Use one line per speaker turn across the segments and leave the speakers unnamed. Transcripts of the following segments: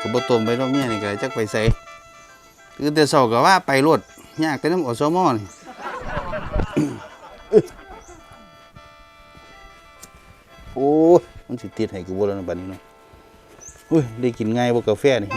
กับบ่ต้มไปดอกเมียนี่ก็จักไปใส่คือแต่เช้าก็ว่าไปรถยากแต่น้ำอสมนี่ โอ้มันสิติดให้กูบ่แล้วนะบัดนี้เนาะอุ้ยได้กินง่ายบ่กาแฟนี่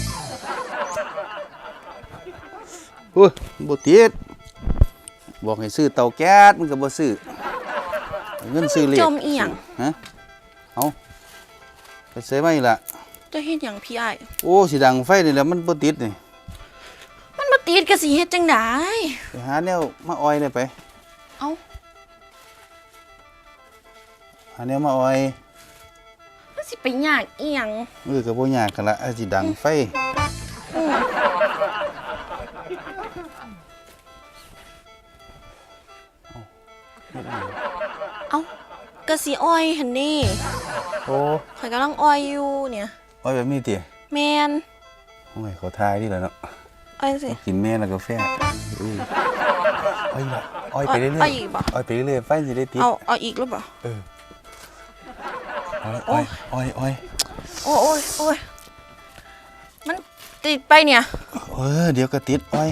โอ้ยบ่ติดบอกให้ซื้อเตาแก๊สมันก็บ่ซื้อเงินซื้อเหล็ก
จมอีหยัง
ฮะเอาไปใส่ไว้ล่ะ
จะเฮ็ดหยังพี่อ้าย
โอ้สิดังไฟนี่แหละมันบ่ติดนี่
มันบ่ติดก็สิเฮ็ดจังได๋
ไปหาแนวมาออยได้ไป
เอ้า
หาแนวมาออย
มันสิไปยากอีหยัง
ก็บ่ยากกันละสิดังไฟ
เอ้าก็สิอ้อยหั่นนี่
โอ้
ข่อยกำลังอ้อยอยู่เนี่ย
ออยแบบนี้ติ
แม่น
โอ้ยเขาทายนี่แหละเนาะ
อ้อยสิ
กินแม่แล้วกาแฟอ้อยล่ะอ้อยไปเรื่อยๆ
อ้อยอีกบ่
อ้อยไปเรื่อยๆไฟสิได้ติด
เอาอีกหรือเปล่า
อ้อย
โอ้ยมันติดไปเนี่ย
เดี๋ยวก็ติดอ้อย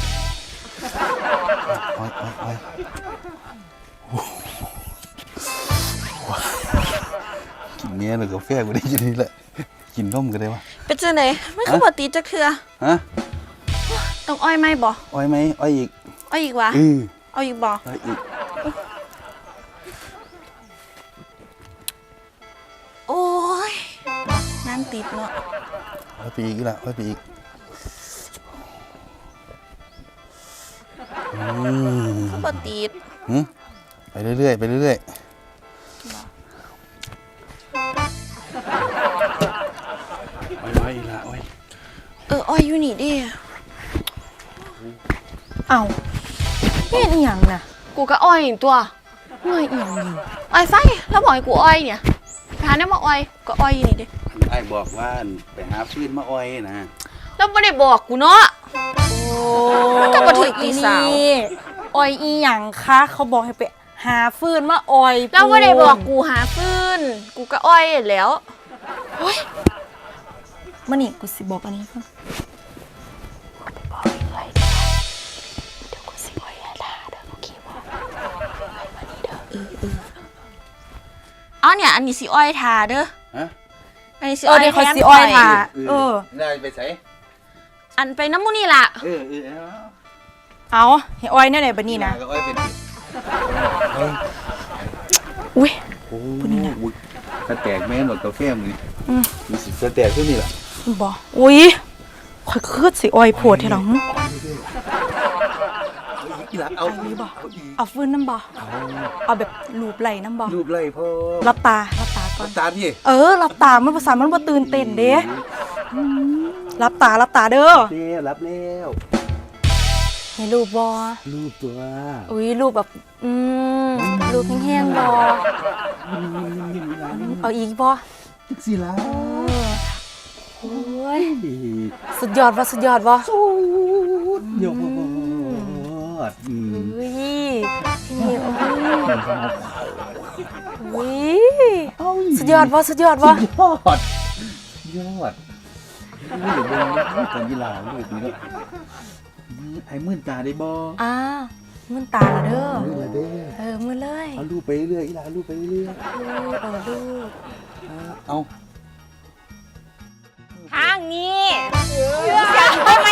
กินเนี้ยแล้วกาแฟกูได้ยินนี่แหละกินนมก็ได้วะ
เป็นจังได๋มันคือบ่ติดจักเทื่อ
ฮะ
ต้องอ้อยไหมบ่
อ้อยไหมอ้อยอีก
วะเอาอีกบ่
อ้อยอีก
โอ้ยนั่นติดเนาะ
อ้อยไปอีกละอ้อยไปอีก
บ่ติด
ไปเรื่อยๆไปเรื่อยๆอ้อยอีกละอ้อย
อ้อยอยู่นี่ดิ
เอาเฮ็ดอีหยังน่ะ
กูก็อ้อยตัว
เมื่อยอีหยังนี่
อ้อยไฟแล้วบอกให้กูอ้อยเนี่ยไปหาเนี่ยมาอ้อยก็อ้อยนี่ดิ
ไอ้บอกว่าไปหาฟืนมาอ้อยนะ
แล้วไม่ได้บอกกูเนาะมันก็บ่ถึงตีสาว
อ้อยอีหยังคะเขาบอกให้ไปหาฟืนมาอ้อย
แล้วไม่ได้บอกกูหาฟืนกูก็อ้อยแล้วโอ๊ย
มานี่กูสิบอกอันนี้ก่อน
อ๋อเนี่ยอันนี้สิอ้อยทาเด้ออันนี้สิ
อ้อยเดี๋ยวเขาสิอ้อยทา
ได้ไปใส่
อันไปน้ำมูนี่ล่ะ
เอาให้อ้อยแน่ไหนบัดนี้นะ
อ้อยเป็น
อุ้ย
ปุ่นนี่นะกระแตกแม่นหมดกาแฟมือมีสิกระแตกขึ้นนี่ล่ะ
บ่อุ้ยข่อยคือสิอ้อยโพดให้หรอเอาฟืนน้ำบ่เอาแบบลูบไหลน้ำบ่
ลูบไหลพ่อ
รับตาก่อน
รับตาพี่
รับตามันภาษามันบ่ตื่นเต้นเด้รับตาเด้อ
รับแล้ว
ให้ลูบบ่
ลูบตัว
อุ้ยลูบแบบลูบแห้งๆบ่เอาอีกบ่
จักสิล่ะ
โอ้ยสุดยอดบ่สุดอด
อุ้
ยนี่โอ้ยสุดยอดบ่
ยอดนี่เบิ่งตอนกีฬาลูกนี่ไอ้มื่นตาได้บ่
มื่นตาละเด้อมื่นเลย
เอาลูกไปเรื่อยอีหลาลูกไปเรื่อย
ลูก
เอา
ทางนี้ทำไม